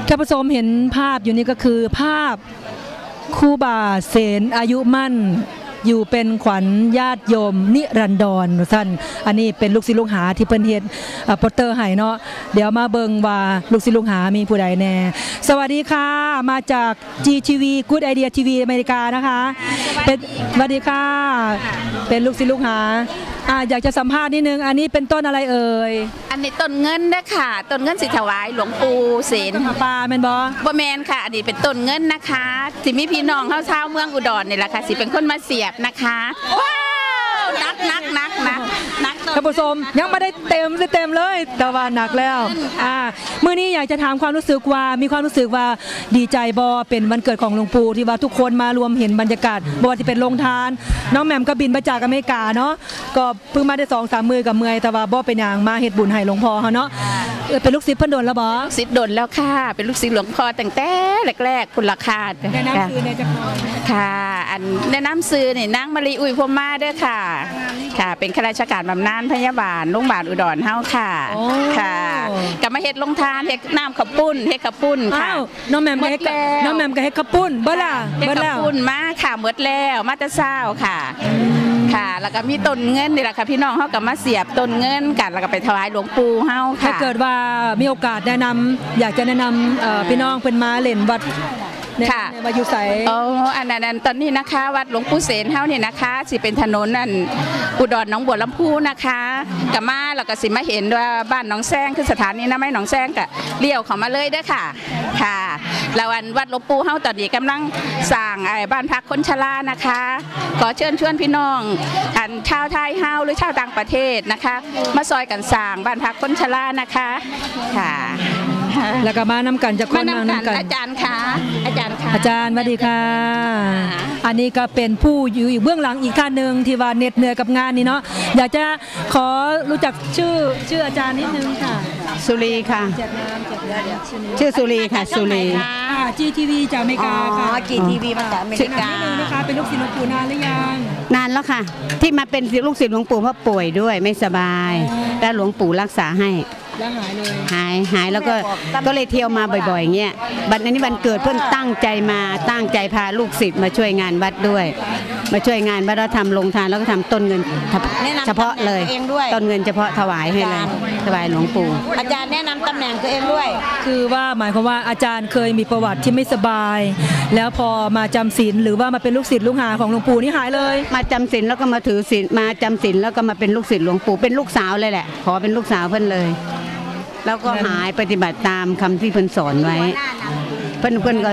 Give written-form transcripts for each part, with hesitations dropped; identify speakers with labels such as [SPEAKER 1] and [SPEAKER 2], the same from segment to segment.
[SPEAKER 1] ท่านผู้ชมเห็นภาพอยู่นี่ก็คือภาพครูบาเสนอายุมั่นอยู่เป็นขวัญญาติโยมนิรันดรท่านอันนี้เป็นลูกศิษย์ลูกหาที่เพิ่นเฮ็ดโปสเตอร์ให้เนาะเดี๋ยวมาเบิ่งว่าลูกศิษย์ลูกหามีผู้ใดแน่สวัสดีค่ะมาจาก GTV Good Idea TV อเมริกานะคะเป็นสวัสดีค่ะเป็นลูกศิษย์ลูกหาอยากจะสัมภาษณ์นิดนึงอันนี้เป็นต้นอะไรเอ่ย
[SPEAKER 2] อันนี้ต้นเงินนะค่ะต้นเงินสิถวายหลวงปู่เสน
[SPEAKER 1] ปลาแม่นบ่
[SPEAKER 2] แมนค่ะอันนี้เป็นต้นเงินนะคะสิมีพี่น้องชาวเมืองอุดรนี่แหละค่ะสิเป็นคนมาเสียบนะคะว้าวนัก
[SPEAKER 1] ท่านผู้ชมยังไม่ได้เต็มเลยแต่ว่าหนักแล้วมื้อนี้อยากจะถามความรู้สึกว่ามีความรู้สึกว่าดีใจบ่เป็นวันเกิดของหลวงปู่ที่ว่าทุกคนมารวมเห็นบรรยากาศบ่ว่าที่เป็นโรงทานน้องแหม่มก็บินมาจากอเมริกาเนาะก็เพิ่งมาได้ 2-3 มื้อกับเมื่อยแต่ว่าบ่เป็นหยังมาเฮ็ดบุญให้หลวงพ่อเฮาเนาะเป็นลูกศิษย์เพิ่นโดนแล้วบ่
[SPEAKER 2] ศิษย์โดนแล้วค่ะเป็นลูกศิษย์หลวงพ่อตั้งแต่แรกๆคุณราคา
[SPEAKER 1] แนะนำซื้อในจักร
[SPEAKER 2] ค่ะอันแนะนำซื้อนี่นางมะลิอุยพรหมาเด้อค่ะค่ะเป็นข้าราชการบำนาญพยาบาลโรงพยาบาลอุดรเฮาค่ะค่ะกับมาเฮ็ดลงทานเฮ็ดน้ำข้าวปุ้นค่ะ
[SPEAKER 1] น้องแหม่มก็เฮ็ดข้าวปุ้นเบิดล่ะ
[SPEAKER 2] เฮ็ดข้าวปุ้นมาค่ะหมดแล้วมาแต่เช้าค่ะค่ะแล้วก็มีต้นเงินนี่แหละค่ะพี่น้องเฮาก็มาเสียบต้นเงินกันแล้วก็ไปถวายหลวงปู่เฮาค่ะ
[SPEAKER 1] ถ้าเกิดว่ามีโอกาสแนะนำอยากจะแนะนำพี่น้องเพิ่นมาเล่นวัด
[SPEAKER 2] ค่ะ
[SPEAKER 1] วัดอยู่ไส
[SPEAKER 2] อันนั้นตอนนี้นะคะวัดหลวงปู่เสนเฮานี่นะคะสิเป็นถนนนั่นอุดรหนองบัวลำพูนะคะกับมาแล้วก็สิมาเห็นว่าบ้านหนองแซงคือสถานีน้ำไม้หนองแซงก็เลี้ยวเข้ามาเลยเด้อค่ะค่ะแล้ววัดหลวงปู่เฮาตอนนี้กำลังสร้างบ้านพักคนชรานะคะขอเชิญชวนพี่น้องชาวไทยเฮาหรือชาวต่างประเทศนะคะมาซอยกันสร้างบ้านพักคนชรานะคะค่ะ
[SPEAKER 1] แล้วก็มานำกันจะคนมานำกัน
[SPEAKER 2] อาจารย์ค่ะอาจารย์
[SPEAKER 1] สวัสดีค่ะอันนี้ก็เป็นผู้อยู่เบื้องหลังอีกท่านหนึ่งที่ว่าเหน็ดเหนื่อยกับงานนี้เนาะอยากจะขอรู้จักชื่ออาจารย์นิดนึงค่ะ
[SPEAKER 3] สุรีค่ะชื่อสุรีค่ะสุรี
[SPEAKER 1] GTV จากอเมริกาค่ะ
[SPEAKER 3] GTV มาจากอเมริกา
[SPEAKER 1] นะคะเป็นลูกศิษย์หลวงปู่นานหรือยัง
[SPEAKER 3] นานแล้วค่ะที่มาเป็นลูกศิษย์หลวงปู่เพราะป่วยด้วยไม่สบายแล้วหลวงปู่รักษาให้
[SPEAKER 1] แล้วหายเลย
[SPEAKER 3] หายแล้วก็เลยเที่ยวมาบ่อยๆเงี้ยบัดนี้วันเกิดเพื่อนตั้งใจพาลูกศิษย์มาช่วยงานวัดด้วยมาช่วยงานวัดแล้วทำโรงทานแล้วก็ทำต้นเงินเฉพาะเลยต้นเงินเฉพาะถวายให้เลยถวายหลวงปู่
[SPEAKER 2] อาจารย์แนะนำตำแหน่งตัวเองด้วย
[SPEAKER 1] คือว่าหมายความว่าอาจารย์เคยมีประวัติที่ไม่สบายแล้วพอมาจำศีลหรือว่ามาเป็นลูกศิษย์ลูกหาของหลวงปู่นี่หายเลย
[SPEAKER 3] มาจำศีลแล้วก็มาถือศีลมาจำศีลแล้วก็มาเป็นลูกศิษย์หลวงปู่เป็นลูกสาวเลยแหละขอเป็นลูกสาวเพื่อนเลยแล้วก็หายปฏิบัติตามคำที่เพิ่นสอนไว้เพิ่นก็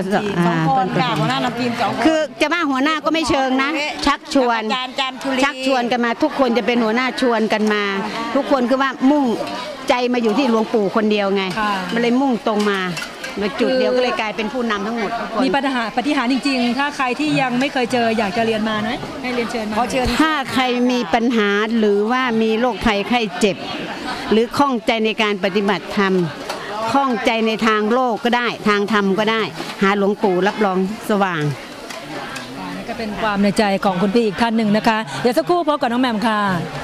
[SPEAKER 3] คือจะว่าหัวหน้าก็ไม่เชิงนะชักชวนกันมาทุกคนจะเป็นหัวหน้าชวนกันมาทุกคนคือว่ามุ่งใจมาอยู่ที่หลวงปู่คนเดียวไงมันเลยมุ่งตรงมาจุดเดียวก็เลยกลายเป็นผู้นำทั้งหมด
[SPEAKER 1] มีปฏิหารจริงๆถ้าใครที่ยังไม่เคยเจออยากจะเรียนมานะให้เรียนเชิญมา
[SPEAKER 3] ถ้าใครมีปัญหาหรือว่ามีโรคภัยไข้เจ็บหรือข้องใจในการปฏิบัติธรรมข้องใจในทางโลกก็ได้ทางธรรมก็ได้หาหลวงปู่รับรองสว่าง
[SPEAKER 1] ก็เป็นความในใจของคุณพี่อีกท่านหนึ่งนะคะเดี๋ยวสักครู่พบกับน้องแหม่มค่ะ